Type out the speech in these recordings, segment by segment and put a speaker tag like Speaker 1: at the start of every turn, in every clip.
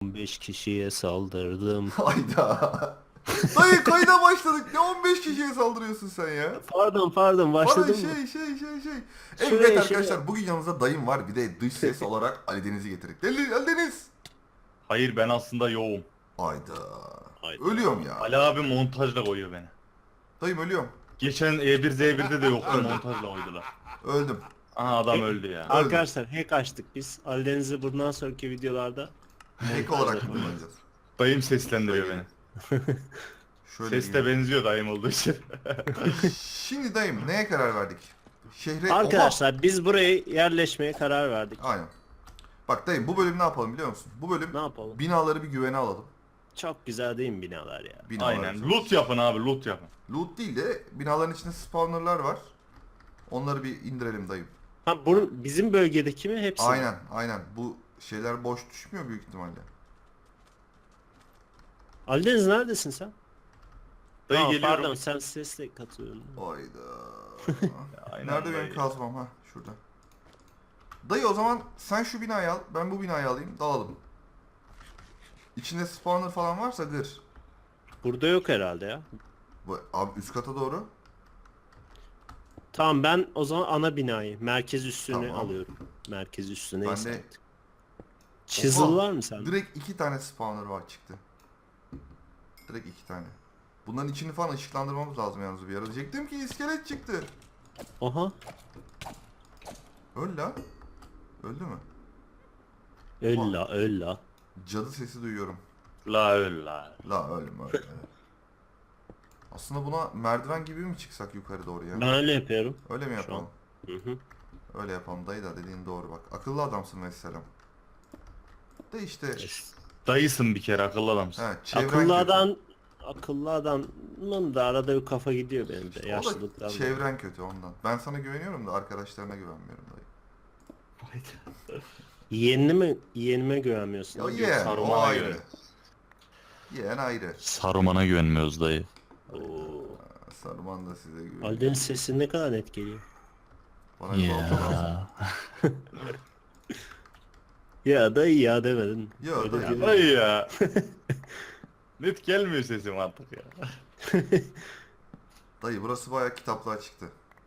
Speaker 1: 15 kişiye saldırdım.
Speaker 2: Hayda. Dayı kayda başladık. Ne 15 kişiye saldırıyorsun sen ya?
Speaker 1: Pardon
Speaker 2: Bana
Speaker 1: başladın mı?
Speaker 2: şey. Evet
Speaker 1: Şuraya
Speaker 2: arkadaşlar bugün yanımızda dayım var. Bir de dış ses olarak Ali Deniz'i getirdik. Ali Deniz.
Speaker 3: Hayır ben aslında yoğum.
Speaker 2: Hayda. Ölüyorum
Speaker 1: Hayda.
Speaker 2: ya.
Speaker 3: Ali abi montajla koyuyor beni.
Speaker 2: Dayım ölüyorum.
Speaker 3: Geçen E1Z1'de de yoktu
Speaker 2: Öldüm.
Speaker 3: montajla koydular.
Speaker 2: Öldüm.
Speaker 3: Aha adam öldü ya.
Speaker 1: Arkadaşlar hack açtık biz. Alideniz'i bundan sonraki videolarda
Speaker 2: Ek olarak kullanacağız.
Speaker 3: Dayım seslendiriyor beni.
Speaker 2: Şöyle
Speaker 3: Ses de benziyor dayım olduğu için.
Speaker 2: Şimdi dayım neye karar verdik? Şehre...
Speaker 1: Arkadaşlar biz buraya yerleşmeye karar verdik.
Speaker 2: Oha! Aynen. Bak dayım bu bölüm ne yapalım biliyor musun? Bu bölüm
Speaker 1: Ne yapalım?
Speaker 2: binaları bir güvene alalım.
Speaker 1: Çok güzel değil mi binalar ya?
Speaker 2: Binalar
Speaker 3: Aynen.
Speaker 2: çok-
Speaker 3: Loot yapın abi loot yapın.
Speaker 2: Loot değil de binaların içinde spawnerlar var. Onları bir indirelim dayım.
Speaker 1: Ha bizim bölgedeki mi hepsi? mi?
Speaker 2: Aynen. Bu şeyler boş düşmüyor büyük ihtimalle.
Speaker 1: Alideniz neredesin sen?
Speaker 3: Dayı
Speaker 1: Aa,
Speaker 3: geliyorum.
Speaker 1: pardon sen sesle katılıyorsun.
Speaker 2: Hayda.
Speaker 3: Aynen
Speaker 2: Nerede
Speaker 3: dayı.
Speaker 2: benim kazmam? Ha şurada. Dayı o zaman sen şu binayı al, ben bu binayı alayım, dalalım. İçinde spawner falan varsa gır.
Speaker 1: Burada yok herhalde ya.
Speaker 2: Bu, abi üst kata doğru.
Speaker 1: Tamam ben o zaman ana binayı, merkez üssünü
Speaker 2: Tamam.
Speaker 1: alıyorum. Merkez üssü
Speaker 2: Ben
Speaker 1: neyse
Speaker 2: de-
Speaker 1: artık. Chisel
Speaker 2: Oha,
Speaker 1: var mı sende?
Speaker 2: Direkt 2 tane spawner var çıktı. Direkt 2 tane. Bunların içini falan ışıklandırmamız lazım yalnız bir ara. Diyecektim ki iskelet çıktı.
Speaker 1: Oha.
Speaker 2: Öl la. Öldü mü?
Speaker 1: Öl la.
Speaker 2: Cadı sesi duyuyorum.
Speaker 3: La öl la.
Speaker 2: La ölüm öyle. Aslında buna merdiven gibi mi çıksak yukarı doğru ya?
Speaker 1: Ben öyle yapıyorum.
Speaker 2: Öyle mi
Speaker 1: Şu
Speaker 2: yapalım?
Speaker 1: Hı hı.
Speaker 2: Öyle yapalım dayı da dediğin doğru bak. Akıllı adamsın mesela. De işte
Speaker 3: Dayısın bir kere akıllı adamsın.
Speaker 2: he, çevren
Speaker 1: Akıllı
Speaker 2: kötü.
Speaker 1: akıllı adamın da arada bir kafa gidiyor benim de
Speaker 2: O da
Speaker 1: yaşlılıktan.
Speaker 2: çevren kötü ondan. Ben sana güveniyorum da arkadaşlarına güvenmiyorum dayı.
Speaker 1: Yeğenime güvenmiyorsun.
Speaker 2: Ya
Speaker 1: değil mi?
Speaker 2: yeğen o
Speaker 3: Saruman'a
Speaker 2: ayrı.
Speaker 3: göre.
Speaker 2: Yeğen ayrı.
Speaker 3: Saruman'a güvenmiyoruz dayı.
Speaker 1: Oo.
Speaker 2: Saruman da size güveniyor.
Speaker 1: Ali'nin sesi ne kadar net geliyor.
Speaker 2: Bana bir balta lazım.
Speaker 1: Ya dayı ya demedin.
Speaker 2: Ya
Speaker 1: Öyle
Speaker 2: dayı.
Speaker 1: değil.
Speaker 3: Dayı ya. Net gelmiyor sesim artık ya.
Speaker 2: Dayı burası bayağı kitaplığa çıktı.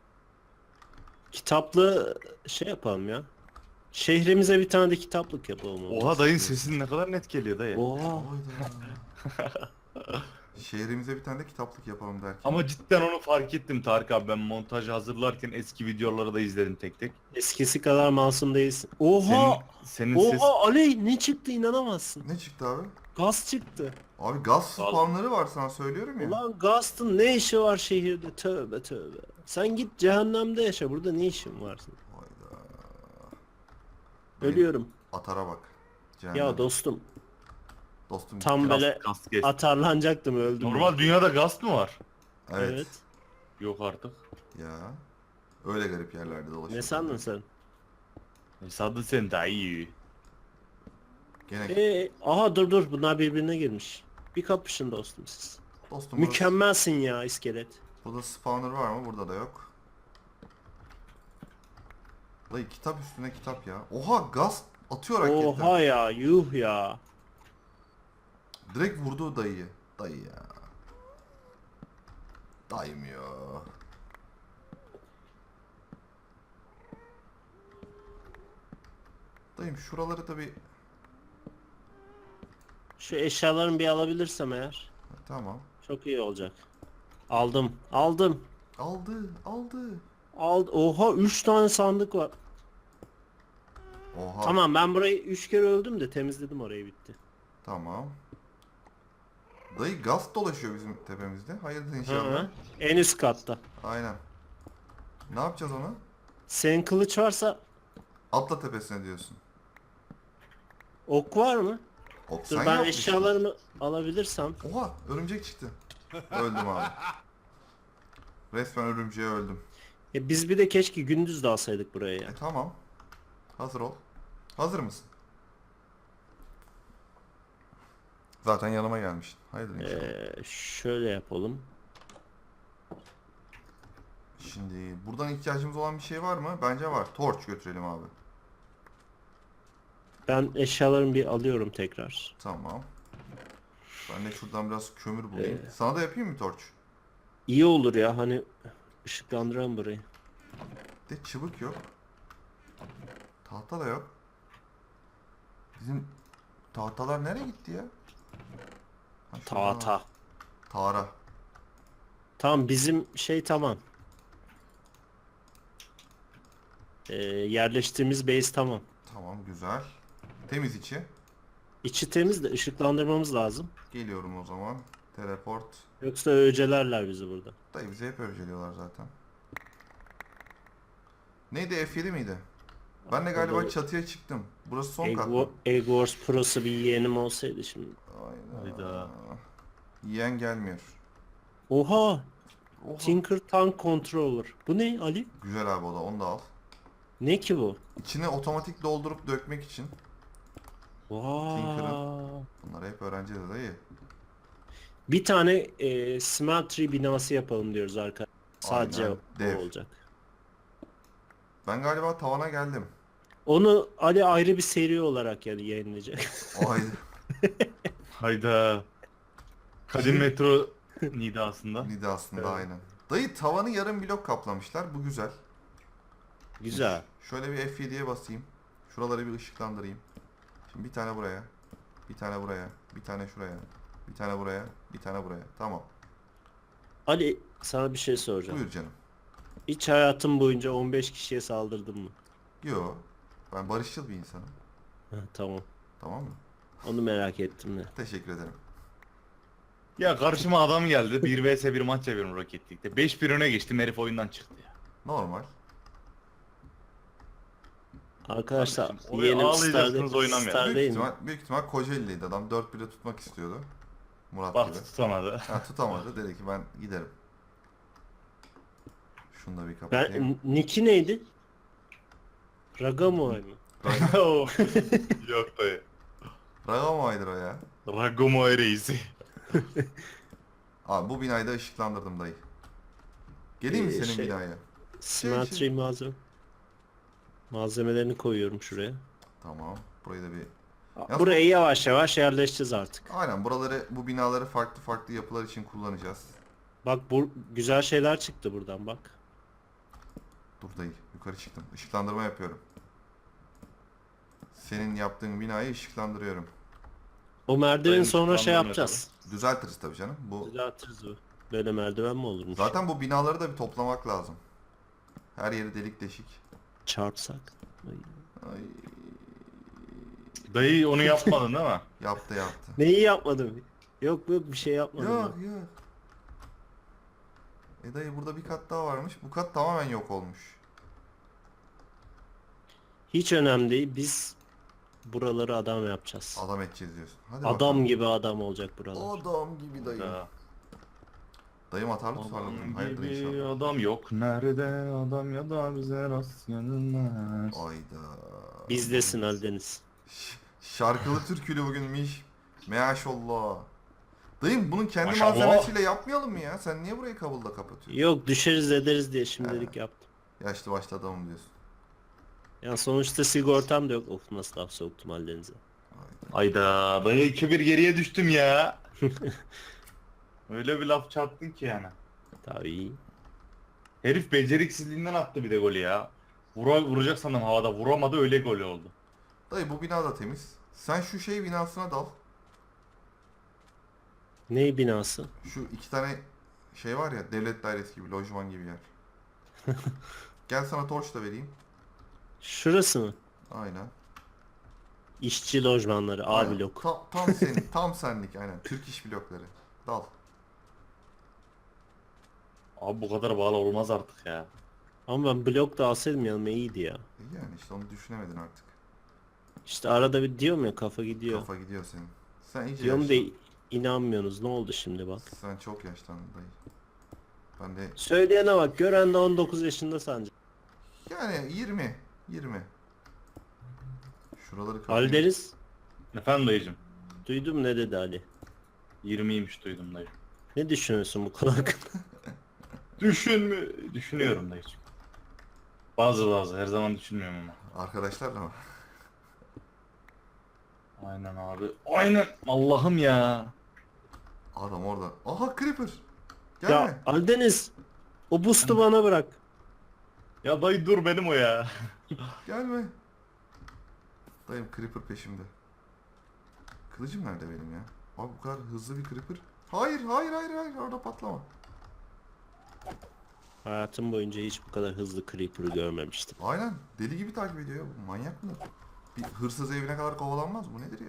Speaker 1: Kitaplı şey yapalım ya. Şehrimize bir tane de kitaplık yapalım.
Speaker 3: Oha dayın sesin ne kadar net geliyor dayı.
Speaker 1: Oha.
Speaker 2: Hayda. Şehrimize bir tane de kitaplık yapalım derken.
Speaker 3: Ama cidden onu fark ettim Tarık abi, ben montajı hazırlarken eski videoları da izledim tek tek.
Speaker 1: Eskisi kadar masum değilsin. Oha.
Speaker 3: Senin
Speaker 1: Oha
Speaker 3: ses...
Speaker 1: Ali ne çıktı inanamazsın.
Speaker 2: Ne çıktı abi?
Speaker 1: Gaz çıktı.
Speaker 2: Abi gaz spawnları var sana söylüyorum ya.
Speaker 1: Ulan Gast'ın ne işi var şehirde? Tövbe tövbe. Sen git cehennemde yaşa. Burada ne işin var senin?
Speaker 2: Hayda.
Speaker 1: Ölüyorum.
Speaker 2: Atara bak. Cehennem.
Speaker 1: Ya dostum
Speaker 2: Dostum.
Speaker 1: tam böyle
Speaker 3: Gaz geç.
Speaker 1: atarlanacaktım öldüm.
Speaker 3: Normal dünyada gaz mı var?
Speaker 2: Evet.
Speaker 1: Evet.
Speaker 3: Yok artık.
Speaker 2: Ya. Öyle garip yerlerde dolaşıyor.
Speaker 1: Ne sandın sen?
Speaker 3: Sadı sen dayı.
Speaker 2: Gene
Speaker 1: Aha dur bunlar birbirine girmiş. Bir kapışın dostum siz.
Speaker 2: dostum
Speaker 1: Mükemmelsin ya iskelet.
Speaker 2: burada spawner var mı? Burada da yok. Dayı kitap üstüne kitap ya. Oha gaz atıyor raketten.
Speaker 1: Oha ya yuh ya.
Speaker 2: Direkt vurdu dayıyı. Dayı ya. Dayım ya. Dayım şuraları tabi
Speaker 1: Şu eşyalarını bir alabilirsem eğer
Speaker 2: tamam.
Speaker 1: çok iyi olacak. Aldım.
Speaker 2: Aldı.
Speaker 1: Oha 3 tane sandık var.
Speaker 2: Oha.
Speaker 1: Tamam ben burayı 3 kere öldüm de temizledim orayı bitti.
Speaker 2: Tamam. Dayı gaz dolaşıyor bizim tepemizde. Hayırdır
Speaker 1: Hı
Speaker 2: inşallah.
Speaker 1: hı. En üst katta.
Speaker 2: Aynen. Ne yapacağız ona?
Speaker 1: Senin kılıç varsa
Speaker 2: Atla tepesine diyorsun.
Speaker 1: ok var mı?
Speaker 2: Ok,
Speaker 1: Dur
Speaker 2: sen
Speaker 1: ben
Speaker 2: yapmışsın.
Speaker 1: eşyalarımı alabilirsem.
Speaker 2: Oha örümcek çıktı. Öldüm abi. Resmen örümceğe öldüm.
Speaker 1: Biz bir de keşke gündüz de alsaydık buraya ya.
Speaker 2: Tamam. Hazır ol. Hazır mısın? Zaten yanıma gelmiştin. Hayırdır inşallah.
Speaker 1: Şöyle yapalım.
Speaker 2: Şimdi buradan ihtiyacımız olan bir şey var mı? Bence var. Torç götürelim abi.
Speaker 1: Ben eşyalarımı bir alıyorum tekrar.
Speaker 2: Tamam. Ben de şuradan biraz kömür bulayım. Sana da yapayım mı torç?
Speaker 1: İyi olur ya hani ışıklandıran burayı.
Speaker 2: De çıbık yok. Tahta da yok. Bizim tahtalar nereye gitti ya? Ha, şurada var.
Speaker 1: Ta.
Speaker 2: Tara.
Speaker 1: Tamam bizim şey tamam. Yerleştiğimiz base tamam.
Speaker 2: Tamam güzel. Temiz içi.
Speaker 1: İçi temiz de ışıklandırmamız lazım.
Speaker 2: Geliyorum o zaman. Teleport.
Speaker 1: Yoksa öcelerler bizi burada.
Speaker 2: Dayı bizi hep önceliyorlar zaten. Neydi, F7 miydi? Ben de galiba
Speaker 1: Vallahi-
Speaker 2: çatıya çıktım. Burası son
Speaker 1: Egg,
Speaker 2: kat mı?
Speaker 1: Egg Wars Pro'su bir yeğenim olsaydı şimdi.
Speaker 2: Hayda.
Speaker 3: Hayda.
Speaker 2: Yiyen gelmiyor.
Speaker 1: Oha!
Speaker 2: Oha.
Speaker 1: Tinker Tank Controller. Bu ne Ali?
Speaker 2: Güzel abi o da, onu da al.
Speaker 1: Ne ki bu?
Speaker 2: İçine otomatik doldurup dökmek için.
Speaker 1: Vaa!
Speaker 2: Bunları hep öğreneceğiz dayı.
Speaker 1: Bir tane smeltery binası yapalım diyoruz arkadaşlar. Sadece
Speaker 2: Aynen,
Speaker 1: o
Speaker 2: dev.
Speaker 1: olacak.
Speaker 2: Ben galiba tavana geldim.
Speaker 1: Onu Ali ayrı bir seri olarak yani yayınlayacak.
Speaker 2: Haydi.
Speaker 3: Hayda. Kadim metro nidasında.
Speaker 2: Nida aslında
Speaker 1: Evet.
Speaker 2: aynen. Dayı tavanı yarım blok kaplamışlar. Bu güzel.
Speaker 1: Güzel.
Speaker 2: Şöyle bir F7'ye basayım. Şuraları bir ışıklandırayım. Şimdi bir tane buraya. Bir tane buraya. Bir tane şuraya. Bir tane buraya. Bir tane buraya. Tamam.
Speaker 1: Ali sana bir şey soracağım.
Speaker 2: Buyur canım.
Speaker 1: Hiç hayatım boyunca 15 kişiye saldırdın mı?
Speaker 2: Yo. Ben barışçıl bir insanım.
Speaker 1: Ha, tamam.
Speaker 2: Tamam mı?
Speaker 1: Onu merak ettim de.
Speaker 2: Teşekkür ederim.
Speaker 3: Ya karşıma adam geldi. 1 vs 1 maç yapıyorum Rocket League'de. 5-1 öne geçtim, herif oyundan çıktı ya.
Speaker 2: Normal.
Speaker 1: Arkadaşlar
Speaker 3: Kardeşim, oraya
Speaker 1: yeğenim
Speaker 3: ağlayacaksınız, oynamayın.
Speaker 1: Star
Speaker 2: Büyük
Speaker 1: değil mi?
Speaker 2: ihtimal, büyük ihtimal Kocaeli'liydi adam. 4-1'e tutmak istiyordu. Murat gibi.
Speaker 3: Baktı tutamadı.
Speaker 2: Ha, tutamadı. Dedi ki ben giderim. Şunu da bir kapatayım.
Speaker 1: Nick'i neydi? Ragamoy mu?
Speaker 3: Yok dayı.
Speaker 2: Ragamoy'dur o ya.
Speaker 3: Ragomoy reisi.
Speaker 2: Abi bu binayı da ışıklandırdım dayı. Geleyim mi senin
Speaker 1: Şey-
Speaker 2: binaya?
Speaker 1: Smeltery malzemelerini koyuyorum şuraya.
Speaker 2: Tamam. Burayı da bir... Yalnız
Speaker 1: Burayı yavaş yavaş yerleşeceğiz artık.
Speaker 2: Aynen, buraları, bu binaları farklı farklı yapılar için kullanacağız.
Speaker 1: Bak bu güzel şeyler çıktı buradan bak.
Speaker 2: Dur dayı, yukarı çıktım. Işıklandırma yapıyorum. Senin yaptığın binayı ışıklandırıyorum.
Speaker 1: O merdiveni
Speaker 3: Dayım
Speaker 1: sonra şey
Speaker 3: ışıklandırma
Speaker 1: yapacağız.
Speaker 2: Düzeltiriz tabii canım. Bu
Speaker 1: Düzeltiriz bu. Böyle merdiven mi olurmuş?
Speaker 2: zaten bu binaları da bir toplamak lazım. Her yeri delik deşik.
Speaker 1: Çarpsak. Ay.
Speaker 2: Ay,
Speaker 3: Dayı onu yapmadın değil mi?
Speaker 2: yaptı yaptı.
Speaker 1: Neyi yapmadım? Yok bir şey yapmadım.
Speaker 2: Yok
Speaker 1: ben.
Speaker 2: yok. Dayı burada bir kat daha varmış. Bu kat tamamen yok olmuş.
Speaker 1: Hiç önemli değil. Biz buraları adam yapacağız.
Speaker 2: Adam edeceğiz diyorsun. Hadi
Speaker 1: Adam
Speaker 2: bakalım.
Speaker 1: gibi adam olacak buralar.
Speaker 2: Adam gibi dayı.
Speaker 3: Ya.
Speaker 2: Dayım atarlı tutarlı.
Speaker 3: Adam
Speaker 2: Hayırdır
Speaker 3: gibi
Speaker 2: inşallah.
Speaker 3: adam yok. Nerede adam ya da bize rast gelmez.
Speaker 2: Ayda.
Speaker 1: Bizdesin Aldeniz.
Speaker 2: Şarkılı türkülü bugünmüş. Maşallah. Dayım bunun kendi
Speaker 3: Maşallah.
Speaker 2: malzemesiyle yapmayalım mı ya? Sen niye burayı kabulla kapatıyorsun?
Speaker 1: Yok düşeriz ederiz diye şimdilik yaptım.
Speaker 2: Yaşlı başlı adamım diyorsun.
Speaker 1: Yani sonuçta sigortam da yok. Of nasıl laf soktum Aldeniz'e.
Speaker 3: Ayda dayı 2-1 geriye düştüm ya. Öyle bir laf çarptın ki yani.
Speaker 1: Tabii.
Speaker 3: Herif beceriksizliğinden attı bir de golü ya. Vuracak sandım havada, vuramadı, öyle gol oldu.
Speaker 2: Dayı bu bina da temiz. Sen şu şey binasına dal.
Speaker 1: Ney binası?
Speaker 2: Şu iki tane şey var ya, devlet dairesi gibi, lojman gibi yer. Gel sana torç da vereyim.
Speaker 1: Şurası mı?
Speaker 2: Aynen.
Speaker 1: İşçi lojmanları A
Speaker 2: Aynen.
Speaker 1: blok.
Speaker 2: Tam senin, tam senlik aynen. Türk iş blokları. Dal.
Speaker 3: Abi bu kadar bağlı olmaz artık ya.
Speaker 1: Ama ben blok da alsaydım yanıma iyiydi ya.
Speaker 2: Yani işte onu düşünemedin artık.
Speaker 1: İşte arada bir diyorum ya kafa gidiyor.
Speaker 2: Kafa gidiyor senin. Sen iyice
Speaker 1: Diyorum da
Speaker 2: yaşlandın.
Speaker 1: inanmıyorsunuz. Ne oldu şimdi bak.
Speaker 2: Sen çok yaşlandın dayı. Ben de
Speaker 1: Söyleyene bak. Gören de 19 yaşında sancı.
Speaker 2: yani 20. 20. Şuraları kapayım.
Speaker 1: Aldeniz.
Speaker 3: Efendim dayıcım.
Speaker 1: Duydum ne dedi Ali.
Speaker 3: 20'ymiş duydum dayı.
Speaker 1: Ne düşünüyorsun bu konu hakkında?
Speaker 3: Düşünüyorum dayıcım. Bazı her zaman düşünmüyorum ama.
Speaker 2: Arkadaşlarla mı?
Speaker 3: Aynen abi. Aynen. Allah'ım ya.
Speaker 2: Adam orada. Aha Creeper. Gelme.
Speaker 1: Ya Aldeniz, o boost'u bana bırak.
Speaker 3: Ya dayı dur benim o ya.
Speaker 2: Gelme. Dayım Creeper peşimde. Kılıcım nerede benim ya? Abi bu kadar hızlı bir Creeper. Hayır hayır hayır hayır orada patlama.
Speaker 1: Hayatım boyunca hiç bu kadar hızlı Creeper'ı görmemiştim.
Speaker 2: Aynen deli gibi takip ediyor ya. Bu manyak mı? Bir hırsız evine kadar kovalanmaz bu nedir ya?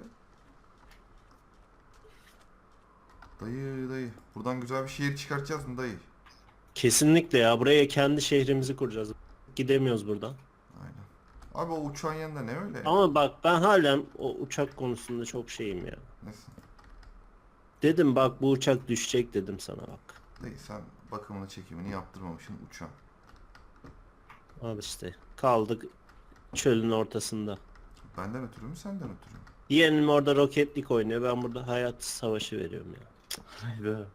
Speaker 2: Dayı dayı. Buradan güzel bir şehir çıkartacağız mı dayı?
Speaker 1: Kesinlikle ya, buraya kendi şehrimizi kuracağız. Gidemiyoruz buradan.
Speaker 2: Aynen. Abi o uçağın yanında ne öyle?
Speaker 1: Ama bak, ben halen o uçak konusunda çok şeyim ya.
Speaker 2: Nesin?
Speaker 1: Dedim bak, bu uçak düşecek dedim sana bak.
Speaker 2: Dayı sen bakımını çekimini yaptırmamışsın uçağın.
Speaker 1: Al işte, kaldık çölün ortasında.
Speaker 2: Benden ötürü mü senden ötürü mü?
Speaker 1: Yeğenim orada roketlik oynuyor, ben burada hayat savaşı veriyorum ya.
Speaker 3: Haydi.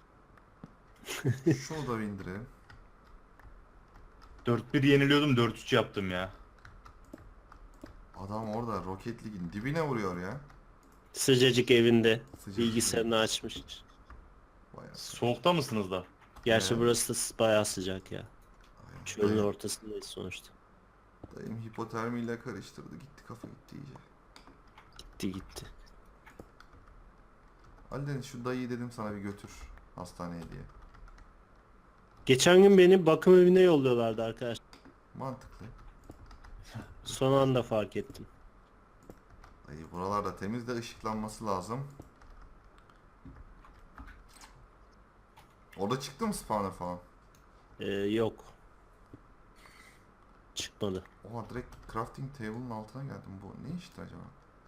Speaker 2: Şunu da bir indirelim.
Speaker 3: 4-1 yeniliyordum 4-3 yaptım ya.
Speaker 2: Adam orada Rocket League'in dibine vuruyor ya.
Speaker 1: Sıcacık evinde
Speaker 2: Sıcacık
Speaker 1: bilgisayarını açmış.
Speaker 2: Bayağı.
Speaker 3: Soğukta mısınız da?
Speaker 1: Gerçi
Speaker 2: Evet.
Speaker 1: burası da bayağı sıcak ya.
Speaker 2: Aynen.
Speaker 1: Çölün
Speaker 2: Dayım,
Speaker 1: ortasındayız sonuçta.
Speaker 2: dayım hipotermiyle karıştırdı. Gitti kafa gitti iyice.
Speaker 1: Gitti gitti.
Speaker 2: Ali Deniz şu dayıyı dedim sana bir götür hastaneye diye.
Speaker 1: Geçen gün beni bakım evine yolluyorlardı arkadaşlar.
Speaker 2: Mantıklı.
Speaker 1: Son anda fark ettim.
Speaker 2: Dayı buralarda temiz de ışıklanması lazım. Orada çıktı mı spawner falan?
Speaker 1: Yok. Çıkmadı.
Speaker 2: Oha direkt crafting table'ın altına geldim. Bu ne işti acaba?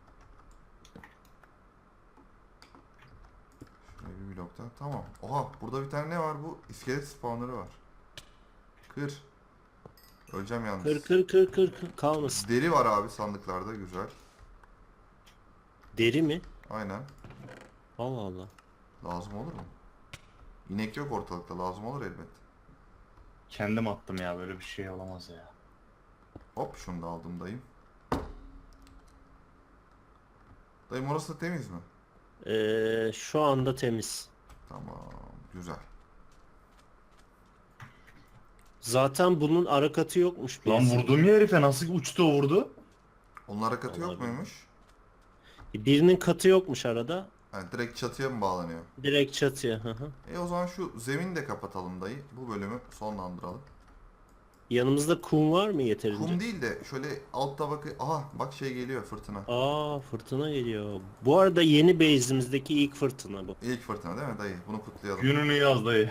Speaker 2: Şuraya bir blokta. Tamam. Oha burada bir tane ne var bu? İskelet spawner'ı var. Kır. Öleceğim yalnız.
Speaker 1: Kır kır kır kır kır kalmasın.
Speaker 2: Deri var abi sandıklarda güzel.
Speaker 1: Deri mi?
Speaker 2: Aynen.
Speaker 1: Allah Allah.
Speaker 2: Lazım olur mu? İnek yok ortalıkta lazım olur elbet.
Speaker 3: Kendim attım ya, böyle bir şey olamaz ya.
Speaker 2: Hop şunu da aldım dayım. Dayım orası da temiz mi?
Speaker 1: Şu anda temiz.
Speaker 2: Tamam güzel.
Speaker 1: Zaten bunun ara katı yokmuş.
Speaker 3: Lan
Speaker 1: birisi.
Speaker 3: vurdum ya herife, nasıl uçtu o vurdu?
Speaker 2: Onun hareketi yok
Speaker 1: Olabilir.
Speaker 2: muymuş?
Speaker 1: Birinin katı yokmuş arada.
Speaker 2: Yani direkt çatıya mı bağlanıyor?
Speaker 1: Direkt çatıya. Hı hı.
Speaker 2: O zaman şu zemini de kapatalım dayı. Bu bölümü sonlandıralım.
Speaker 1: Yanımızda kum var mı yeterince?
Speaker 2: Kum değil de şöyle alt tabakı... Aha bak şey geliyor fırtına.
Speaker 1: Aa, fırtına geliyor. Bu arada yeni base'imizdeki ilk fırtına bu.
Speaker 2: İlk fırtına değil mi dayı? Bunu kutlayalım.
Speaker 3: Gününü yaz dayı.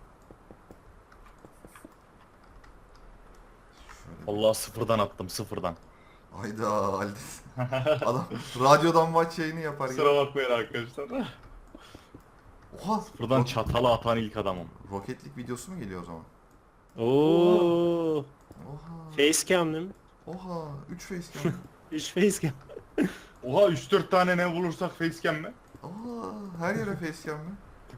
Speaker 2: Şöyle
Speaker 3: Allah, sıfırdan attım, sıfırdan.
Speaker 2: Hayda Aldis. Adam radyodan maç yayını yapar gibi.
Speaker 3: Kusura bakmayın arkadaşlar.
Speaker 2: Oha.
Speaker 3: Sıfırdan çatala atan ilk adamım.
Speaker 2: Roketlik videosu mu geliyor o zaman?
Speaker 1: Oo,
Speaker 2: Oha.
Speaker 1: facecam değil mi?
Speaker 2: Oha. 3 facecam.
Speaker 1: 3 facecam.
Speaker 3: Oha, 3-4 tane ne bulursak facecam mi?
Speaker 2: Oha. Her yere facecam mı?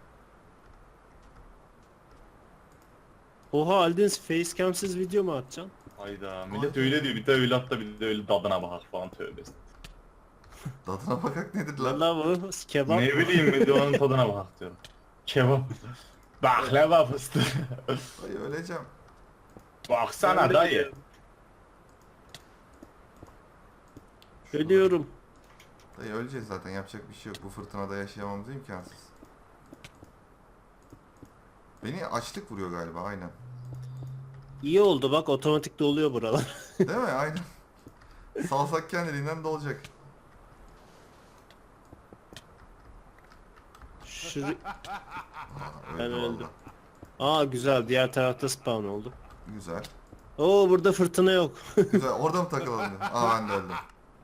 Speaker 1: Oha, Aldeniz facecam'siz video mu atacaksın?
Speaker 3: Hayda, millet
Speaker 2: Ay.
Speaker 3: öyle diyor, bir de öyle at da bir de öyle dadına bakar falan, tövbe.
Speaker 2: Tadına bakak nedir lan?
Speaker 1: Valla bu kebap.
Speaker 3: Ne bileyim, bir de onun tadına bakar diyorum. Kebap. Baklava fıstığı.
Speaker 2: Dayı öleceğim.
Speaker 3: Baksana
Speaker 1: Ben de
Speaker 3: dayı.
Speaker 1: biliyorum.
Speaker 2: Şurada.
Speaker 1: Ölüyorum.
Speaker 2: Dayı öleceğiz zaten yapacak bir şey yok. Bu fırtınada yaşayamamız imkansız. Beni açlık vuruyor galiba aynen.
Speaker 1: İyi oldu bak, otomatik doluyor buralar.
Speaker 2: Değil mi? Aynen. Salsak kendiliğinden dolacak.
Speaker 1: Şu...
Speaker 2: Aa,
Speaker 1: Ben
Speaker 2: öldü
Speaker 1: öldüm.
Speaker 2: valla.
Speaker 1: Aa güzel, diğer tarafta spawn oldu.
Speaker 2: Güzel.
Speaker 1: Oo, burada fırtına yok.
Speaker 2: Güzel. Orada mı takılalım? Aa ben de öldüm.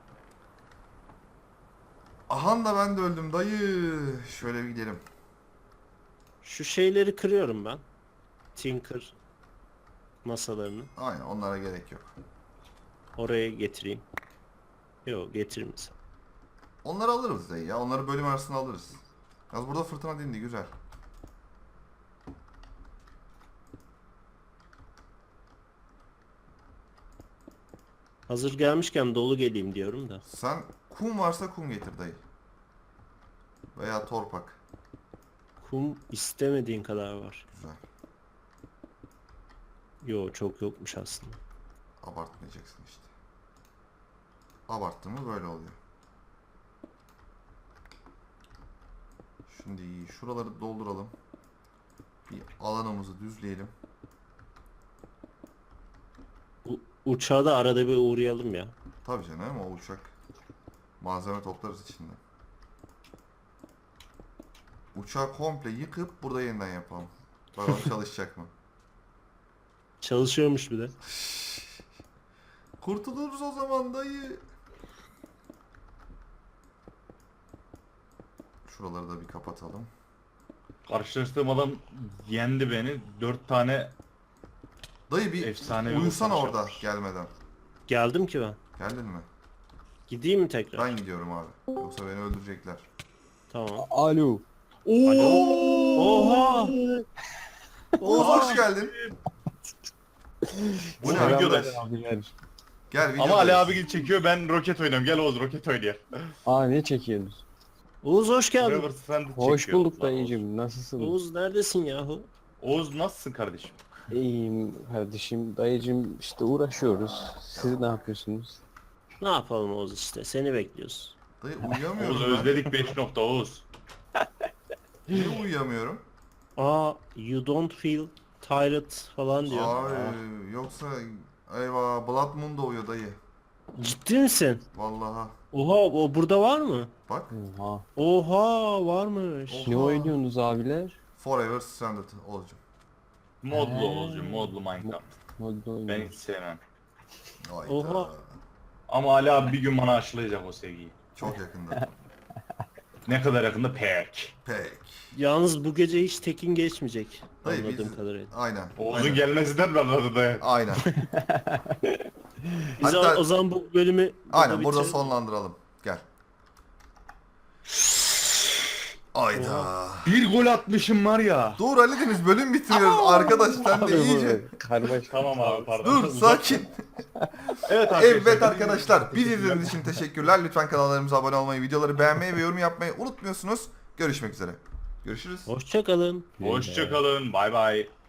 Speaker 2: Ahan da ben de öldüm dayı. Şöyle bir gidelim.
Speaker 1: Şu şeyleri kırıyorum ben. Tinker masalarını.
Speaker 2: Aynen onlara gerek yok.
Speaker 1: Oraya getireyim. Yok, getirmeyeyim.
Speaker 2: Onları alırız dayı ya. Onları bölüm arasında alırız. Yalnız burada fırtına dindi güzel.
Speaker 1: Hazır gelmişken dolu geleyim diyorum da.
Speaker 2: Sen kum varsa kum getir dayı. Veya torpak.
Speaker 1: Kum istemediğin kadar var.
Speaker 2: Güzel.
Speaker 1: Yo çok yokmuş aslında.
Speaker 2: Abartmayacaksın işte. Abarttın mı böyle oluyor. Şimdi şuraları dolduralım. Bir alanımızı düzleyelim.
Speaker 1: Uçağa da arada bir uğrayalım ya.
Speaker 2: Tabii canım, o uçak. Malzeme toplarız içinden. Uçağı komple yıkıp burada yeniden yapalım. Bakalım çalışacak mı?
Speaker 1: Çalışıyormuş bir de.
Speaker 2: Kurtuluruz o zaman dayı. Şuraları da bir kapatalım.
Speaker 3: Karşılaştığım adam yendi beni. 4 tane
Speaker 2: Dayı bir
Speaker 3: efsane
Speaker 2: uyusana orada gelmeden.
Speaker 1: Geldim ki ben.
Speaker 2: Geldin mi?
Speaker 1: Gideyim mi tekrar?
Speaker 2: Ben gidiyorum abi. Yoksa beni öldürecekler.
Speaker 1: Tamam.
Speaker 4: Alo.
Speaker 1: Oha!
Speaker 2: Oğuz hoş geldin. Bu ne
Speaker 3: Selam
Speaker 2: arkadaş?
Speaker 4: Abiler.
Speaker 2: Gel video.
Speaker 3: Ama Ali abi çekiyor, ben roket oynuyorum. Gel Oğuz roket oynayalım.
Speaker 4: Aa ne çekiyorsunuz?
Speaker 1: Oğuz hoş geldin.
Speaker 3: Forever Stranded
Speaker 4: Hoş
Speaker 3: çekiyor.
Speaker 4: bulduk
Speaker 3: Lan
Speaker 4: dayıcım. Nasılsın?
Speaker 1: Oğuz neredesin yahu?
Speaker 3: Oğuz nasılsın kardeşim?
Speaker 4: İyiyim kardeşim. Dayıcım işte uğraşıyoruz. Siz ne yapıyorsunuz?
Speaker 1: Ne yapalım Oğuz işte seni bekliyoruz.
Speaker 2: Dayı
Speaker 3: Oğuz
Speaker 2: uyuyamıyorum ben.
Speaker 3: özledik 5 nokta Oğuz.
Speaker 2: Niye uyuyamıyorum?
Speaker 1: Aa you don't feel tired falan diyor.
Speaker 2: Ay yoksa eyvah Blood Moon doğuyor dayı.
Speaker 1: Ciddi misin?
Speaker 2: Vallahi.
Speaker 1: Oha o burada var mı?
Speaker 2: Bak.
Speaker 4: Oha.
Speaker 1: Oha varmış.
Speaker 2: Oha.
Speaker 4: Ne oynuyorsunuz abiler?
Speaker 2: Forever Stranded olacağım.
Speaker 3: Modlu Oğuz'cum, modlu Minecraft.
Speaker 4: Modda
Speaker 3: Ben
Speaker 4: oynuyoruz.
Speaker 3: hiç sevmem.
Speaker 2: Hayda.
Speaker 1: Oha.
Speaker 3: Ama Ali abi bir gün bana aşılayacak o sevgiyi.
Speaker 2: Çok yakında.
Speaker 3: Ne kadar yakında pek.
Speaker 2: Pek.
Speaker 1: Yalnız bu gece hiç tekin geçmeyecek.
Speaker 2: Dayı
Speaker 1: Anladığım
Speaker 2: biz...
Speaker 1: kadarıyla.
Speaker 2: Aynen.
Speaker 3: Oğuz'un
Speaker 2: Aynen.
Speaker 3: gelmesinden de anladı da.
Speaker 2: Aynen.
Speaker 1: Biz
Speaker 2: Hatta-
Speaker 1: o zaman bu bölümü
Speaker 2: Aynen burada
Speaker 1: bitirelim.
Speaker 2: sonlandıralım. Gel. Ayda.
Speaker 3: Bir gol atmışım var ya.
Speaker 2: Dur Ali Deniz bölüm bitiriyoruz arkadaş sen de
Speaker 4: Abi
Speaker 2: iyice.
Speaker 4: bu karmaşık.
Speaker 3: Tamam abi pardon.
Speaker 2: Dur sakin.
Speaker 3: Evet arkadaşlar.
Speaker 2: Evet arkadaşlar bizi izlediğiniz için teşekkürler. Lütfen kanallarımıza abone olmayı, videoları beğenmeyi ve yorum yapmayı unutmuyorsunuz. Görüşmek üzere. Görüşürüz.
Speaker 1: Hoşça kalın.
Speaker 3: Hoşçakalın. Bay bay.